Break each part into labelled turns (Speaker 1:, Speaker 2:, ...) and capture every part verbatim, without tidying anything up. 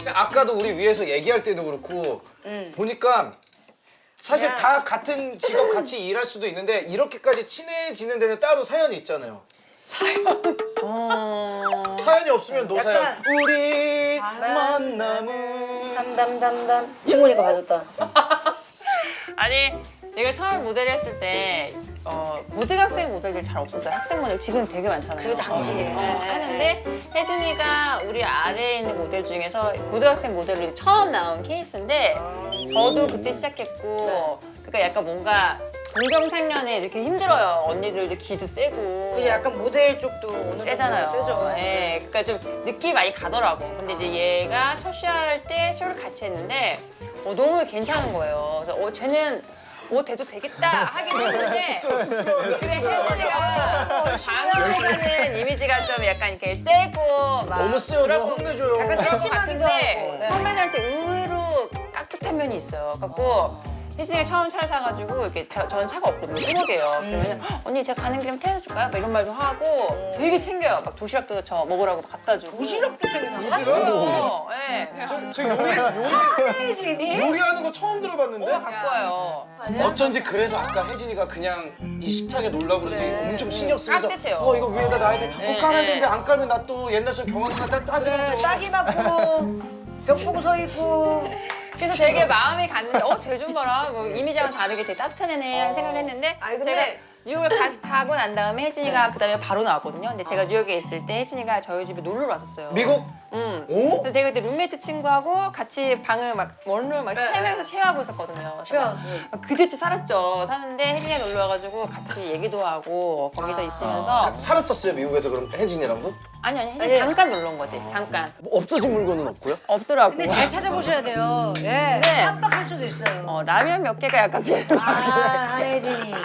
Speaker 1: 아까도 우리 위에서 얘기할 때도 그렇고
Speaker 2: 음.
Speaker 1: 보니까 사실
Speaker 2: 그냥-
Speaker 1: 다 같은 직업 같이 일할 수도 있는데 이렇게까지 친해지는 데는 따로 사연이 있잖아요.
Speaker 2: 어...
Speaker 1: 사연이 없으면 노사연.
Speaker 2: 약간-
Speaker 1: 우리
Speaker 2: 아,
Speaker 1: 만남은
Speaker 2: 담담담담. 친구니까 봐줬다.
Speaker 3: 아니 내가 처음 모델 했을 때 어, 고등학생 모델들 잘 없었어요. 학생 모델 지금 되게 많잖아요.
Speaker 2: 그 당시에.
Speaker 3: 어, 하는데 혜진이가 우리 아래에 있는 모델 중에서 고등학생 모델로 처음 나온 케이스인데 저도 그때 시작했고 그러니까 약간 뭔가 동병상련에 이렇게 힘들어요. 언니들도 기도 세고
Speaker 2: 그리고 약간 모델 쪽도 어느 정도
Speaker 3: 세잖아요.
Speaker 2: 세죠.
Speaker 3: 예, 그러니까 좀 느낌 많이 가더라고. 근데 이제 얘가 첫 쇼할 때 쇼를 같이 했는데 어, 너무 괜찮은 거예요. 그래서 어, 쟤는 뭐 돼도 되겠다 하긴 했는데 근데 혜진이가 방어회사는 이미지가 좀 약간 이렇게 세고 막
Speaker 1: 너무 세요.
Speaker 3: 그럴
Speaker 1: 너무
Speaker 3: 것-
Speaker 1: 혼내줘요.
Speaker 3: 약간 그럴 것
Speaker 2: 심하기도
Speaker 3: 같은데
Speaker 2: 하고.
Speaker 3: 선배들한테 의외로 깍듯한 면이 있어요. 갖고 혜진이가 처음 차를 사가지고 이렇게 저, 저는 차가 없거든요. 뚜벅이에요. 그러면 은 언니 제가 가는 길에 태워줄까요? 막 이런 말도 하고 되게 챙겨요. 막 도시락도 저 먹으라고 갖다 주고.
Speaker 2: 도시락도 챙겨놔.
Speaker 3: 어, 예.
Speaker 1: 저, 저 요리, 요리, 요리하는 거 처음 들어봤는데?
Speaker 3: 오빠 갖고 와요.
Speaker 1: 어쩐지 그래서 아까 혜진이가 그냥 이 식탁에 놀라고 그러더니 엄청 신경 쓰면서
Speaker 3: 깍듯해요.
Speaker 1: 어 이거 위에다 놔야 돼.
Speaker 3: 네,
Speaker 1: 어 깔아야
Speaker 3: 네.
Speaker 1: 되는데 안 깔면 나 또 옛날처럼 경험하다 따, 따지면서
Speaker 2: 딱이 맞고 벽 보고 서 있고.
Speaker 3: 그래서 되게 마음이 갔는데 어, 쟤 좀 봐라. 뭐 이미지랑 다르게 되게 따뜻한 애네 하는 생각을 했는데
Speaker 4: 아니, 근데-
Speaker 3: 제가 뉴욕을 가, 가고 난 다음에 혜진이가 그다음에 바로 나왔거든요. 근데 제가 뉴욕에 있을 때 혜진이가 저희 집에 놀러 왔었어요.
Speaker 1: 미국?
Speaker 3: 응.
Speaker 1: 오?
Speaker 3: 그래서 제가 그때 룸메이트 친구하고 같이 방을 막 원룸 막 세 명이서 쉐어하고 있었거든요. 그래서 막 막 그제치 살았죠. 사는데 혜진이가 놀러 와가지고 같이 얘기도 하고 거기서 있으면서
Speaker 1: 살았었어요 미국에서 그럼 혜진이랑도?
Speaker 3: 아니 아니 혜진이
Speaker 2: 아니.
Speaker 3: 잠깐 놀러 온 거지. 잠깐.
Speaker 1: 뭐 없어진 물건은 없고요?
Speaker 3: 없더라고.
Speaker 2: 근데 잘 찾아보셔야 돼요. 예.
Speaker 3: 네.
Speaker 2: 깜빡할 수도 있어요.
Speaker 3: 어, 라면 몇 개가 약간 비슷.
Speaker 2: 아, 한혜진이.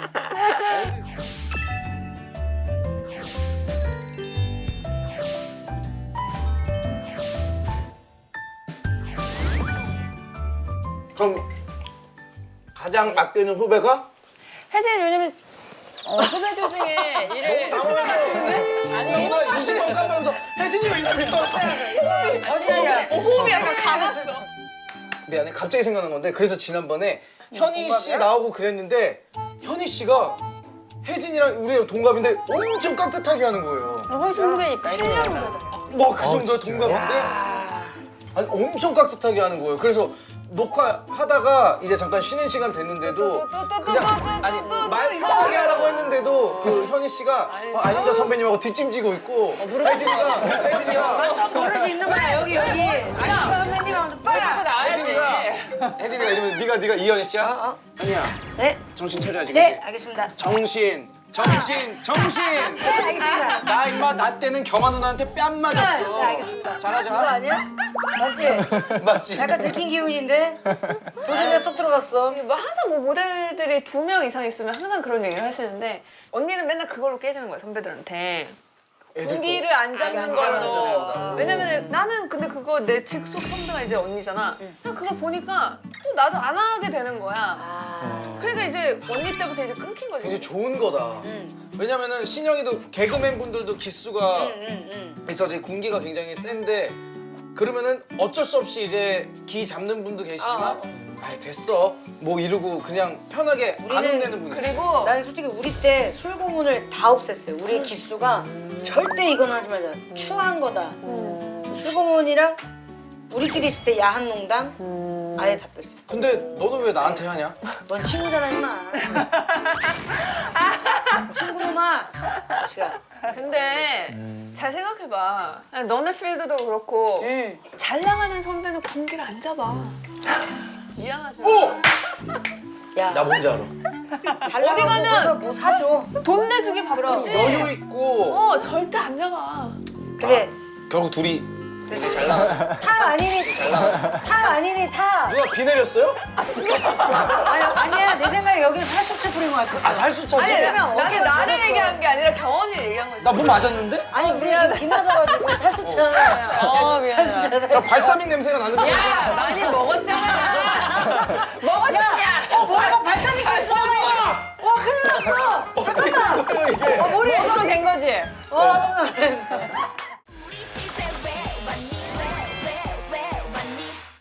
Speaker 1: 그럼 가장 아끼는 후배가?
Speaker 3: 혜진이 요즘에 어, 후배들 중에 일을 아니
Speaker 1: 누나 이십 번 까면서 혜진이 왜 이러면
Speaker 3: 혜진이가
Speaker 4: 호흡이 약간 감았어.
Speaker 1: 미안해 갑자기 생각난 건데 그래서 지난번에 현희 씨 나오고 그랬는데 현희 씨가 혜진이랑 우리랑 동갑인데 엄청 깍듯하게 하는 거예요.
Speaker 3: 훨씬 후배니까 칠 년 후배다.
Speaker 1: 와 그 정도의 동갑인데 아니 엄청 깍듯하게 하는 거예요. 그래서 녹화하다가 이제 잠깐 쉬는 시간 됐는데도 그냥 아니 말 편하게 하라고 했는데도 그 현희 씨가 어, 안현자 선배님하고 뒷짐지고 있고 혜진이가 혜진이가
Speaker 2: 버릇이 있는 거야, 여기, 여기. 아니, 선배님하고 좀 빨리.
Speaker 3: 또 나와야지.
Speaker 1: 혜진이가 혜진이가 이러면 네가 네가 이현희 씨야? 현희야
Speaker 2: 네?
Speaker 1: 정신 차려야지
Speaker 2: 네,
Speaker 1: 그치?
Speaker 2: 알겠습니다.
Speaker 1: 정신 정신 정신
Speaker 2: 네, 알겠습니다.
Speaker 1: 나 임마 나 때는 경아 누나한테 뺨 맞았어.
Speaker 2: 네, 알겠습니다. 그거
Speaker 1: 잘하자.
Speaker 2: 아니야? 맞지?
Speaker 1: 맞지?
Speaker 2: 약간 들킨 기운인데? 도중에 쏙 들어갔어.
Speaker 4: 뭐 항상 뭐 모델들이 두 명 이상 있으면 항상 그런 얘기를 하시는데 언니는 맨날 그걸로 깨지는 거야 선배들한테.
Speaker 1: 애들
Speaker 4: 공기를 안 잡는
Speaker 3: 안
Speaker 4: 걸로.
Speaker 1: 잡는다고.
Speaker 4: 왜냐면 나는 근데 그거 내 직속 선배가 이제 언니잖아. 그냥 그걸 보니까 또 나도 안 하게 되는 거야.
Speaker 2: 아.
Speaker 4: 그러니까 이제 언니 때부터 이제 끊긴 거지.
Speaker 1: 굉장히 좋은 거다. 왜냐면은 신영이도 개그맨 분들도 기수가
Speaker 2: 응, 응.
Speaker 1: 있어서 이제 군기가 굉장히 센데 그러면은 어쩔 수 없이 이제 기 잡는 분도 계시지만
Speaker 4: 아,
Speaker 1: 아 됐어 뭐 이러고 그냥 편하게 안
Speaker 2: 우리는
Speaker 1: 혼내는 분이
Speaker 4: 그리고
Speaker 2: 나는 솔직히 우리 때 술고문을 다 없앴어요. 우리 기수가 절대 이건 하지 말자. 추한 거다. 술고문이랑 우리끼리 있을 때 야한 농담 아예 다 뺐어.
Speaker 1: 근데 너는 왜 나한테 하냐?
Speaker 2: 넌 친구잖아, 임마. 친구놈아. 시간.
Speaker 4: 근데 잘 생각해봐. 아니, 너네 필드도 그렇고
Speaker 2: 응.
Speaker 4: 잘 나가는 선배는 군기를 안 잡아. 미안하지만
Speaker 1: 오!
Speaker 2: 야,
Speaker 1: 나 뭔지 알아.
Speaker 2: 잘
Speaker 4: 어디
Speaker 2: 나가고
Speaker 4: 가면-
Speaker 2: 가서 뭐 사줘.
Speaker 4: 돈 내주기 바쁘지.
Speaker 1: 여유 있고
Speaker 4: 어 절대 안 잡아.
Speaker 2: 그래.
Speaker 1: 결국 둘이 되게 잘 나가.
Speaker 2: 타 아니니 타 아니니 타.
Speaker 1: 누가 비 내렸어요?
Speaker 2: 아니 아니야 내 생각에 여기는 살수치 뿌린 거 같았어.
Speaker 1: 아 살수 차지?
Speaker 4: 아니
Speaker 2: 왜냐면
Speaker 4: 나는
Speaker 2: 어디가
Speaker 4: 나를
Speaker 2: 잘했어.
Speaker 4: 얘기한 게 아니라 경원이 얘기한 거지.
Speaker 1: 나 뭐 맞았는데?
Speaker 2: 아니 우리 지금 비 맞아가지고 살수치잖아.
Speaker 3: 어, 미안해.
Speaker 2: 살수치잖아.
Speaker 1: 나 발사믹 냄새가 나는데.
Speaker 3: 야, 많이 먹었잖아. 먹었잖아.
Speaker 2: 어 머리가 발사믹 갔어. 와 큰일 났어. 잠깐만.
Speaker 1: 이게
Speaker 2: 어 머리.
Speaker 3: 먹으면 된 거지.
Speaker 2: 와 깜짝 놀랐네.